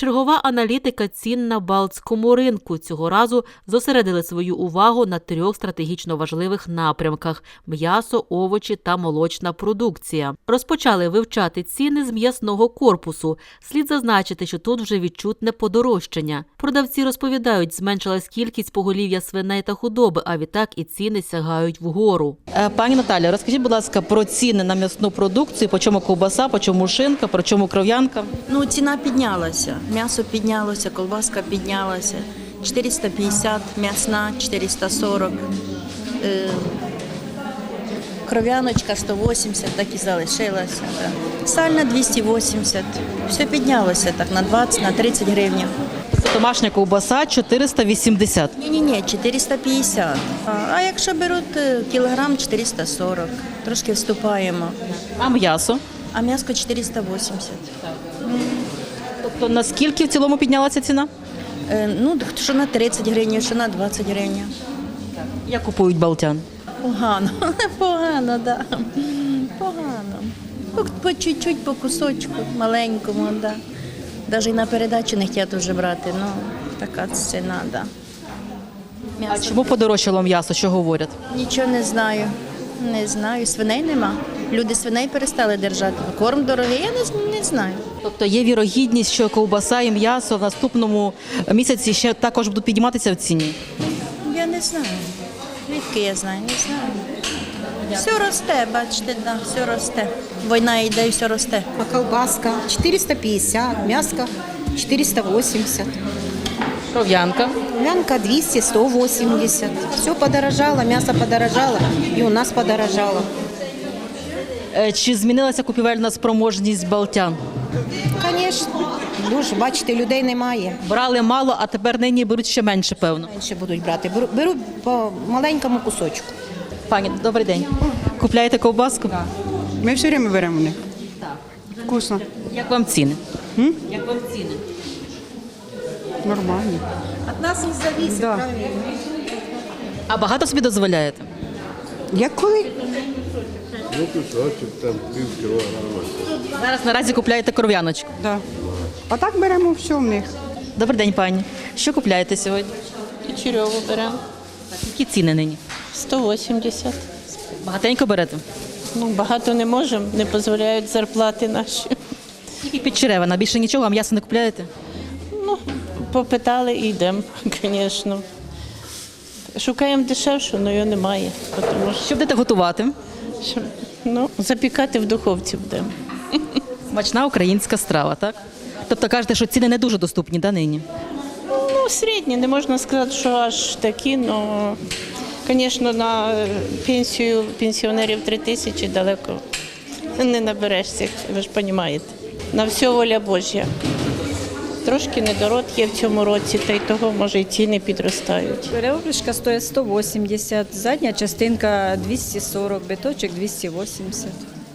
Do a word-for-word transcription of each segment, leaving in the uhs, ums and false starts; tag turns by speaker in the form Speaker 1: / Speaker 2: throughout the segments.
Speaker 1: Чергова аналітика цін на Балтському ринку. Цього разу зосередили свою увагу на трьох стратегічно важливих напрямках – м'ясо, овочі та молочна продукція. Розпочали вивчати ціни з м'ясного корпусу. Слід зазначити, що тут вже відчутне подорожчання. Продавці розповідають, зменшилась кількість поголів'я свиней та худоби, а відтак і ціни сягають вгору.
Speaker 2: Пані Наталя, розкажіть, будь ласка, про ціни на м'ясну продукцію, по чому ковбаса, по чому шинка, по чому кров'янка?
Speaker 3: Ну, ціна піднялася. М'ясо піднялося, колбаска піднялася. чотириста п'ятдесят, м'ясна чотириста сорок. Е, кров'яночка сто вісімдесят, так і залишилася. Да. Сальна двісті вісімдесят. Все піднялося так на двадцять, на тридцять гривень.
Speaker 2: Домашня ковбаса чотириста вісімдесят.
Speaker 3: Ні-ні-ні, чотириста п'ятдесят. А, а якщо беруть е, кілограм, чотириста сорок. Трошки вступаємо.
Speaker 2: А м'ясо?
Speaker 3: А м'ясо чотириста вісімдесят.
Speaker 2: Тобто наскільки в цілому піднялася ціна?
Speaker 3: Е, ну, що на тридцять гривень, що на двадцять гривень.
Speaker 2: Як купують балтян?
Speaker 3: Погано, погано, да. Погано. По, по чуть-чуть, по кусочку, маленькому, да. Навіть на передачу не хотять вже брати, ну, така ціна, да.
Speaker 2: А чому подорожчало м'ясо, що говорять?
Speaker 3: Нічого не знаю, не знаю, свиней нема. Люди свиней перестали держати, корм дорогий, я не, не знаю.
Speaker 2: Тобто є вірогідність, що ковбаса і м'ясо в наступному місяці ще також будуть підніматися в ціні?
Speaker 3: Я не знаю. Звідки я знаю? Не знаю. Все росте, бачите, да, все росте. Війна йде і все росте.
Speaker 4: А колбаска четыреста пятьдесят, мяско четыреста восемьдесят,
Speaker 2: Кров'янка?
Speaker 4: вянка двести, сто восемьдесят. Все подорожало, мясо подорожало и у нас подорожало.
Speaker 2: Е, Чи змінилася купівельна спроможність балтян?
Speaker 4: Конечно, дуже, бачите, людей немає.
Speaker 2: Брали мало, а тепер нині беруть ще менше, певно.
Speaker 4: Менше будуть брати. Беру, беру по маленькому кусочку.
Speaker 2: Пані, добрий день. Купляєте ковбаску? Так.
Speaker 5: Ми все время беремо у них. Вкусно.
Speaker 2: Як вам ціни?
Speaker 5: М?
Speaker 2: Як вам ціни?
Speaker 5: Нормально.
Speaker 4: От нас не зависит,
Speaker 5: Да.
Speaker 4: правильно?
Speaker 2: А багато собі дозволяєте?
Speaker 5: Як коли?
Speaker 6: Ну, кусочок, там пів кілограма.
Speaker 2: Зараз наразі купляєте кров'яночку.
Speaker 5: Да. А так беремо все в них.
Speaker 2: Добрий день, пані. Що купляєте сьогодні?
Speaker 7: Кучерьову беремо.
Speaker 2: Які ціни нині?
Speaker 7: сто вісімдесят.
Speaker 2: Багатенько берете?
Speaker 7: Ну, багато не можемо, не дозволяють зарплати наші.
Speaker 2: Тільки під черевина, більше нічого, а м'ясо не купляєте?
Speaker 7: Ну, попитали і йдемо, звісно. Шукаємо дешевшу, але його немає. Тому що,
Speaker 2: Що будете готувати?
Speaker 7: що, ну, запікати в духовці будемо.
Speaker 2: Смачна українська страва, так? Тобто кажете, що ціни не дуже доступні, да, нині?
Speaker 7: Ну, середні, не можна сказати, що аж такі, але, звісно, на пенсію пенсіонерів три тисячі далеко не наберешся, ви ж розумієте. На все воля Божя. Трошки недород є в цьому році, та й того, може, і ціни підростають.
Speaker 8: Переоблішка стоїть сто вісімдесят, задня частинка двісті сорок, биточок двісті вісімдесят.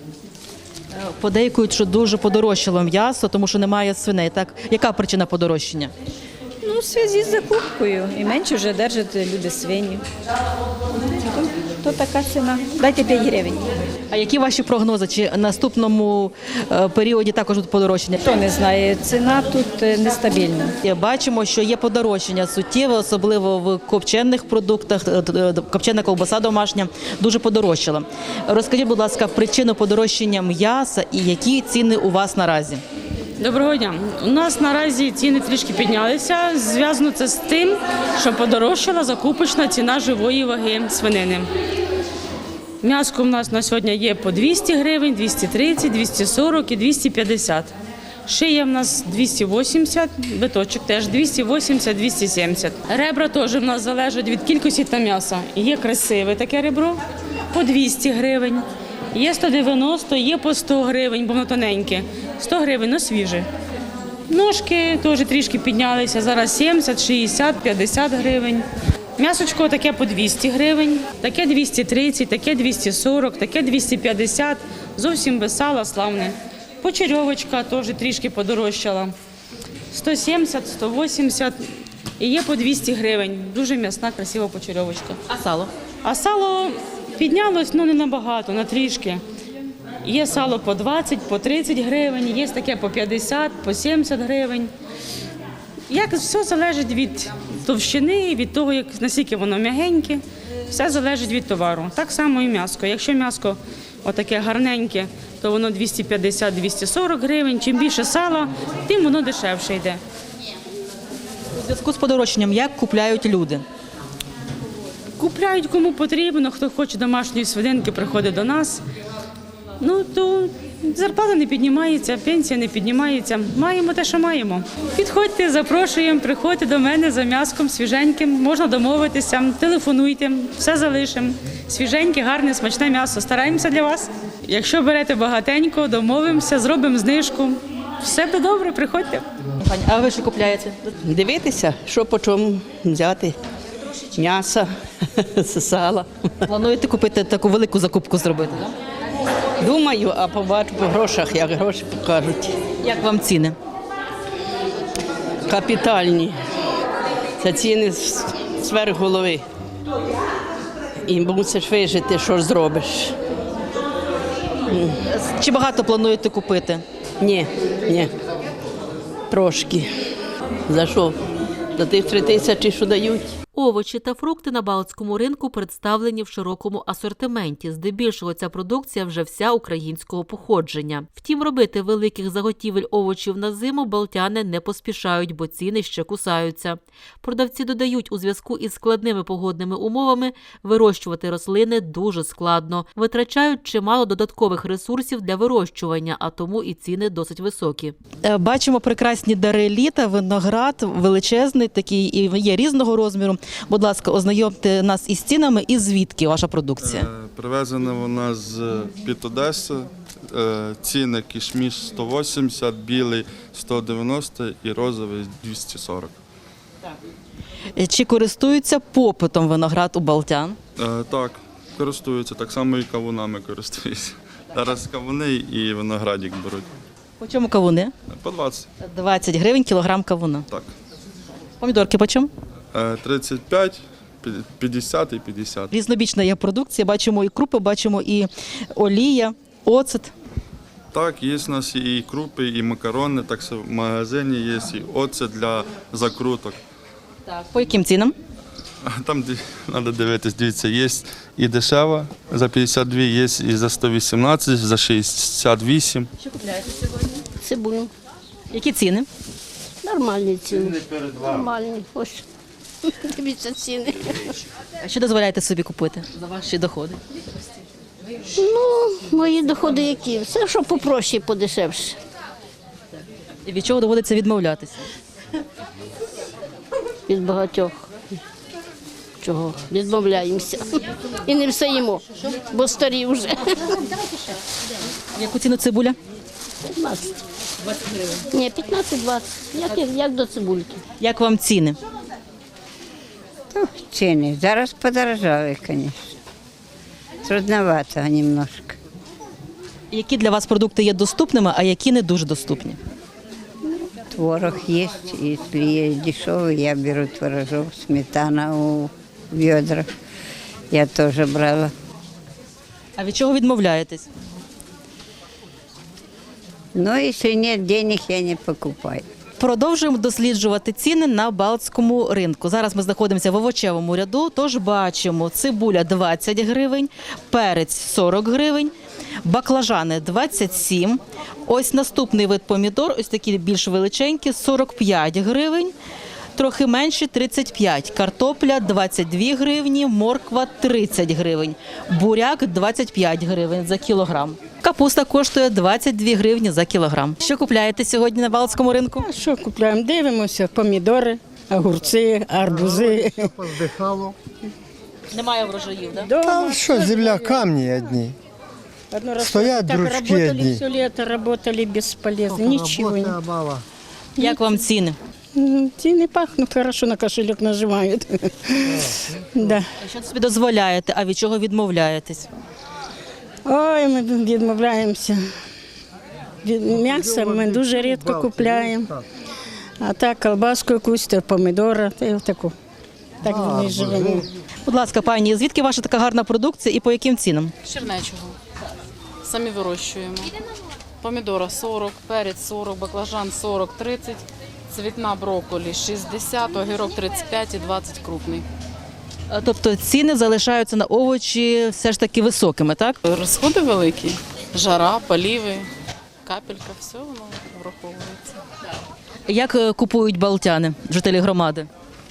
Speaker 2: Подейкують, що дуже подорожчало м'ясо, тому що немає свиней. Так? Яка причина подорожчання?
Speaker 8: Ну, в зв'язку з закупкою. І менше вже держать люди свині. То, то така ціна. Дайте п'ять гривень.
Speaker 2: А які ваші прогнози? Чи в наступному е, періоді також буде подорожчання?
Speaker 8: Хто не знає, ціна тут е, нестабільна.
Speaker 2: Бачимо, що є подорожчання суттєве, особливо в копчених продуктах. Е, е, Копчена ковбаса домашня дуже подорожчала. Розкажіть, будь ласка, причину подорожчання м'яса і які ціни у вас наразі?
Speaker 9: Доброго дня. У нас наразі ціни трішки піднялися. Зв'язано це з тим, що подорожчала закупочна ціна живої ваги свинини. М'яско у нас на сьогодні є по двісті гривень, двісті тридцять, двісті сорок і двісті п'ятдесят. Шия в нас двісті вісімдесят, биточок теж двісті вісімдесят - двісті сімдесят. Ребра теж в нас залежать від кількості та м'яса. Є красиве таке ребро по двісті гривень, є сто дев'яносто, є по сто гривень, бо воно тоненьке. сто гривень, ну свіже. Ножки теж трішки піднялися, зараз сімдесят, шістдесят, п'ятдесят гривень. М'ясочко таке по двісті гривень, таке двісті тридцять, таке двісті сорок, таке двісті п'ятдесят, зовсім без сала, славне. Почерьовочка теж трішки подорожчала, сто сімдесят, сто вісімдесят і є по двісті гривень. Дуже м'ясна, красива почерьовочка.
Speaker 2: А сало?
Speaker 9: А сало піднялось, ну не набагато, на трішки. Є сало по двадцять, по тридцять гривень, є таке по п'ятдесят, по сімдесят гривень. Як все залежить від товщини, від того, як наскільки воно м'ягеньке, все залежить від товару. Так само і м'ясо. Якщо м'ясо отаке гарненьке, то воно двісті п'ятдесят - двісті сорок гривень. Чим більше сала, тим воно дешевше йде.
Speaker 2: У зв'язку з подорожчанням як купляють люди?
Speaker 9: Купляють кому потрібно, хто хоче домашньої свининки, приходить до нас. Ну, то зарплата не піднімається, пенсія не піднімається. Маємо те, що маємо. Підходьте, запрошуємо, приходьте до мене за м'яском свіженьким, можна домовитися, телефонуйте, все залишимо. Свіженьке, гарне, смачне м'ясо. Стараємося для вас. Якщо берете багатенько, домовимося, зробимо знижку. Все буде добре, приходьте.
Speaker 2: Пані, а ви що купляєте?
Speaker 10: Дивитися, що по чому взяти. М'ясо, сала.
Speaker 2: Плануєте купити таку велику закупку зробити? Так?
Speaker 10: Думаю, а побачу по грошах, як гроші покажуть.
Speaker 2: Як вам ціни?
Speaker 10: Капітальні. Це ціни з сверх голови. І мусиш вижити, що ж зробиш.
Speaker 2: Чи багато плануєте купити?
Speaker 10: Ні, ні. Трошки. За що? За тих три тисячі, що дають.
Speaker 1: Овочі та фрукти на Балтському ринку представлені в широкому асортименті. Здебільшого ця продукція вже вся українського походження. Втім, робити великих заготівель овочів на зиму балтяни не поспішають, бо ціни ще кусаються. Продавці додають, у зв'язку із складними погодними умовами вирощувати рослини дуже складно. Витрачають чимало додаткових ресурсів для вирощування, а тому і ціни досить високі.
Speaker 2: Е, Бачимо прекрасні дари літа, виноград величезний, такий і є різного розміру. Будь ласка, ознайомте нас із цінами і звідки ваша продукція.
Speaker 11: Е, Привезена вона з під Одеси. Е, Ціни кішміш сто вісімдесят, білий сто дев'яносто і розовий двісті сорок.
Speaker 2: Е, Чи користуються попитом виноград у балтян?
Speaker 11: Е, Так, користуються, так само і кавунами користуються. Зараз кавуни і виноградик беруть.
Speaker 2: По чому кавуни?
Speaker 11: По двадцять.
Speaker 2: двадцять гривень кілограм кавуна.
Speaker 11: Так.
Speaker 2: Помідорки по чому?
Speaker 11: Е, тридцять п'ять, п'ятдесят і п'ятдесят.
Speaker 2: Різнобічна є продукція, бачимо і крупи, бачимо і олія, оцет.
Speaker 11: Так, є у нас і крупи, і макарони, так що в магазині є і оцет для закруток.
Speaker 2: Так. По яким цінам?
Speaker 11: Там треба дивитись, дивіться, є і дешева за п'ятдесят дві, є і за сто вісімнадцять, за шістдесят вісім.
Speaker 2: Що купляєте сьогодні?
Speaker 4: Цибулю.
Speaker 2: Які ціни?
Speaker 4: Нормальні ціни. Нормальні. Ось. Дивіться ціни.
Speaker 2: А що дозволяєте собі купити за ваші доходи?
Speaker 4: Ну, мої доходи які? Все, що попроще і подешевше.
Speaker 2: І від чого доводиться відмовлятися?
Speaker 4: Від багатьох. Чого? Відмовляємося. І не все їмо, бо старі вже.
Speaker 2: Яку ціну цибуля?
Speaker 4: п'ятнадцять. Ні, п'ятнадцять-двадцять. Як, як до цибульки.
Speaker 2: Як вам ціни?
Speaker 12: Ціни зараз подорожали, звісно. Трудновато немножко.
Speaker 2: Які для вас продукти є доступними, а які не дуже доступні?
Speaker 12: Творог є, якщо є дешевий, я беру творожок, сметана у ведрах. Я теж брала.
Speaker 2: А від чого відмовляєтесь?
Speaker 12: Ну, якщо немає грошей, я не покупаю.
Speaker 2: Продовжуємо досліджувати ціни на Балтському ринку. Зараз ми знаходимося в овочевому ряду, тож бачимо цибуля двадцять гривень, перець сорок гривень, баклажани двадцять сім. Ось наступний вид помідор, ось такі більш величенькі, сорок п'ять гривень. Трохи менше тридцять п'ять. Картопля двадцять дві гривні, морква тридцять гривень. Буряк двадцять п'ять гривень за кілограм. Капуста коштує двадцять дві гривні за кілограм. Що купляєте сьогодні на Балтському ринку?
Speaker 13: А що купляємо? Дивимося, помідори, огурці, арбузи.
Speaker 14: Поздихало.
Speaker 2: Немає врожаїв, так?
Speaker 13: Да?
Speaker 14: Там що, земля, камні одні.
Speaker 13: Одно раз
Speaker 14: Стоять
Speaker 13: так
Speaker 14: дручки
Speaker 13: работали
Speaker 14: одні.
Speaker 13: все лето, работали бесполезно, ничего не.
Speaker 2: Як вам ціни?
Speaker 13: М, Ціни пахнуть, хорошо на кошелек нажимають. Да.
Speaker 2: Що собі дозволяєте, а від чого відмовляєтесь?
Speaker 13: Ой, ми відмовляємося. Від м'яса ми дуже рідко купляємо. А так, колбаску якусь, та помідори, та й таку. Так ми живемо.
Speaker 2: Будь ласка, пані, звідки ваша така гарна продукція і по яким цінам?
Speaker 15: Чернечого. самі вирощуємо. Помідора сорок, перець сорок, баклажан сорок, тридцять, цвітна брокколі шістдесят, огірок тридцять п'ять і двадцять крупний.
Speaker 2: Е, Тобто ціни залишаються на овочі все ж таки високими, так?
Speaker 15: Розходи великі, жара, поліви, капелька, все воно враховується.
Speaker 2: Як е, купують балтяни, жителі громади?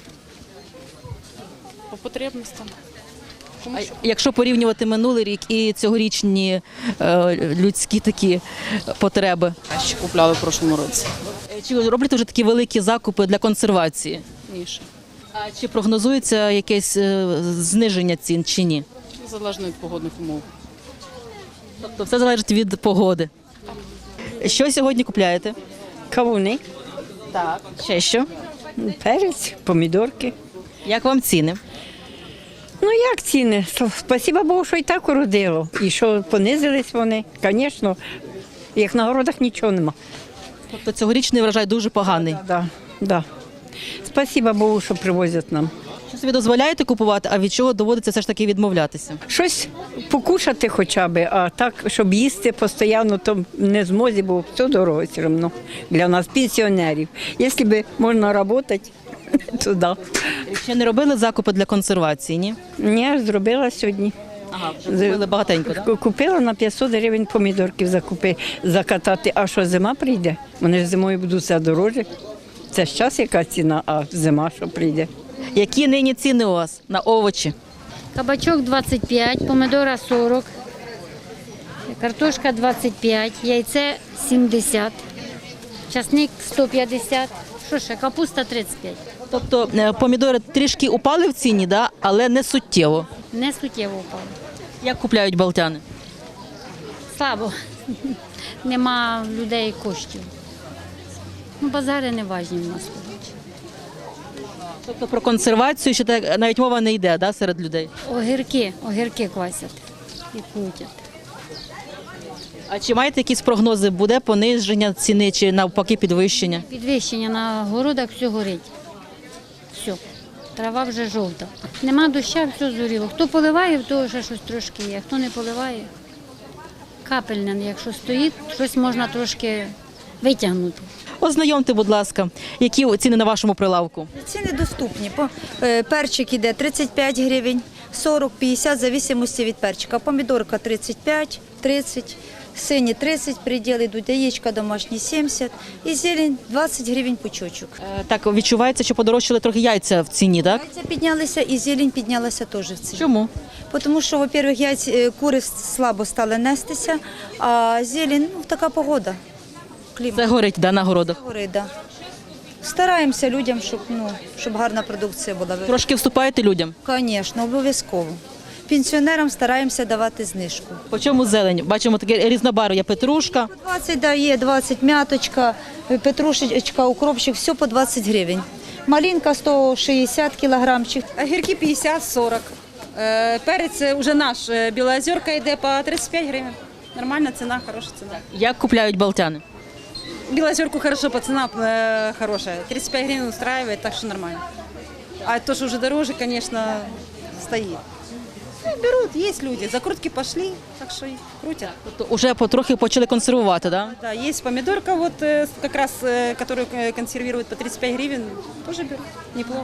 Speaker 15: По потребностям. Кому
Speaker 2: А
Speaker 15: що.
Speaker 2: якщо порівнювати минулий рік і цьогорічні е, людські такі потреби?
Speaker 15: Ще купляли в прошлому році.
Speaker 2: Е, Чи роблять вже такі великі закупи для консервації?
Speaker 15: Ніше.
Speaker 2: А чи прогнозується якесь е, зниження цін чи ні?
Speaker 15: Залежно від погодних умов.
Speaker 2: Тобто все залежить від погоди. Що сьогодні купляєте?
Speaker 8: Кавуни,
Speaker 2: Так. Ще що?
Speaker 8: перець, помідорки.
Speaker 2: Як вам ціни?
Speaker 8: Ну як ціни? Спасіба Богу, що і так уродило. І що понизились вони. Звісно, як на городах нічого нема.
Speaker 2: Тобто цьогорічний врожай дуже поганий.
Speaker 8: Да, да. Спасіба Богу, що привозять нам.
Speaker 2: Що собі дозволяєте купувати, а від чого доводиться все ж таки відмовлятися?
Speaker 8: Щось покушати хоча б, а так, щоб їсти постійно, то не змозі, бо все дорого все одно для нас, пенсіонерів. Якщо б можна працювати, то да.
Speaker 2: Ще не робили закупи для консервації, ні?
Speaker 8: Ні, зробила сьогодні.
Speaker 2: Ага, купили багатенько, так?
Speaker 8: Купила на п'ятсот гривень помідорків закупи, закатати. А що зима прийде? Вони ж зимою будуть все дорожче. Це ж час яка ціна, а зима що прийде.
Speaker 2: Які нині ціни у вас на овочі?
Speaker 16: Кабачок двадцять п'ять, помидора сорок, картошка двадцять п'ять, яйце сімдесят, часник сто п'ятдесят, що ще, капуста тридцять п'ять.
Speaker 2: Тобто е, помідори трішки упали в ціні, да? Але не суттєво.
Speaker 16: Не суттєво впало.
Speaker 2: Як купляють балтяни?
Speaker 16: Слабо. Нема людей коштів. Ну, базари не важні в нас.
Speaker 2: Тобто про консервацію ще так навіть мова не йде, да, серед людей?
Speaker 16: Огірки, огірки квасять і крутять.
Speaker 2: А чи маєте якісь прогнози? Буде пониження ціни чи навпаки підвищення?
Speaker 16: Підвищення на городах все горить. Все. Трава вже жовта. Нема доща, все зоріло. Хто поливає, в того ще щось трошки є. Хто не поливає, капельне, якщо стоїть, щось можна трошки витягнути.
Speaker 2: Ознайомте, будь ласка, які ціни на вашому прилавку?
Speaker 17: Ціни доступні. По- е, Перчик іде тридцять п'ять гривень, сорок - п'ятдесят, в зависимості від перчика. Помідорка тридцять п'ять, тридцять, сині тридцять, приділи йдуть, яєчка домашні сімдесят і зелень двадцять гривень пучочок.
Speaker 2: Е, Так, відчувається, що подорожчали трохи яйця в ціні, так?
Speaker 17: Яйця піднялися і зелень піднялася теж в ціні.
Speaker 2: Чому?
Speaker 17: Тому що, во-первых, яйця, е, кури слабо стали нестися, а зелень, ну, така погода. Клімат.
Speaker 2: Це горить, да, на городах?
Speaker 17: Горить, да. Стараємося людям, щоб, ну, щоб гарна продукція була.
Speaker 2: Трошки вступаєте людям?
Speaker 17: Звісно, обов'язково. Пенсіонерам стараємося давати знижку.
Speaker 2: По чому зелень? Бачимо таке різнобарв'я, є петрушка.
Speaker 17: двадцять дає, двадцять м'яточка, петрушечка, укропчик, все по двадцять гривень. Малинка сто шістдесят кілограмчик.
Speaker 18: Огірки п'ятдесят - сорок. Е, Перець вже наш, е, Білоозерка йде по тридцять п'ять гривень. Нормальна ціна, хороша ціна.
Speaker 2: Як купляють балтяни?
Speaker 18: Білоозерку хорошо, по ціна е, хороша. тридцять п'ять гривень устраиває, так що нормально. А то, що вже дороже, звісно, стоїть. Ну, беруть, є люди, закрутки пішли, так що і крутять.
Speaker 2: Тобто вже потрохи почали консервувати, так?
Speaker 18: Да, есть помидорка, вот э, как раз, э, которую э, консервируют по тридцать пять гривен, тоже берут, неплохо.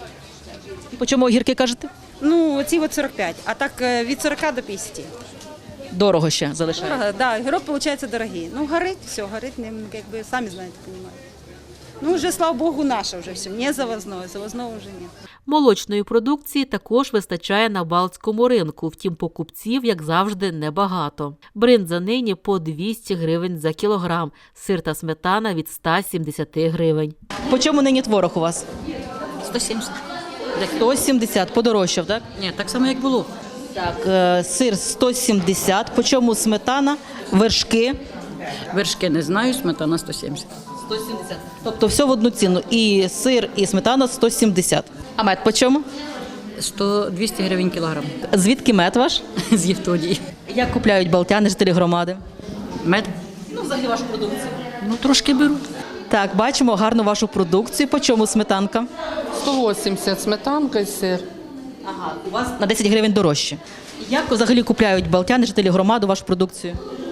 Speaker 2: І по чому огірки кажете?
Speaker 18: Ну, ці вот сорок пять, а так э, від сорока до п'ятдесят.
Speaker 2: Дорого ще залишається.
Speaker 18: Дорого, да, огірок, получается, дорогий. Ну, горить, все, горить, не, как бы, сами знаете, понимаете. Ну, уже, слава богу, наше уже все, не завозное, завозного уже нет.
Speaker 1: Молочної продукції також вистачає на балтському ринку, втім покупців, як завжди, небагато. Бринза нині по двісті гривень за кілограм, сир та сметана від ста сімдесяти гривень.
Speaker 2: По чому нині творог у вас?
Speaker 19: сто сімдесят.
Speaker 2: сто сімдесят, подорожчав, так?
Speaker 19: Ні, так само, як було.
Speaker 2: Так, е, сир сто сімдесят, по чому сметана, вершки?
Speaker 19: Вершки не знаю, сметана сто сімдесят.
Speaker 2: сто сімдесят. Тобто все в одну ціну, і сир, і сметана сто сімдесят. А мед по чому?
Speaker 19: сто - двісті гривень кілограм.
Speaker 2: Звідки мед ваш?
Speaker 19: З Євтодії.
Speaker 2: Як купляють балтяни, жителі громади?
Speaker 19: Мед?
Speaker 2: Ну, взагалі вашу продукцію.
Speaker 19: Ну, трошки беруть.
Speaker 2: Так, бачимо гарну вашу продукцію. По чому сметанка?
Speaker 20: сто вісімдесят сметанка і сир.
Speaker 2: Ага, у вас на десять гривень дорожче. Як взагалі купляють балтяни, жителі громади, вашу продукцію?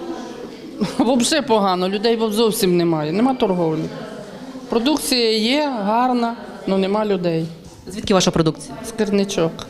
Speaker 20: Взагалі погано, людей зовсім немає, нема торговлі. Продукція є, гарна, але нема людей.
Speaker 2: Звідки ваша продукція?
Speaker 20: З Керничок.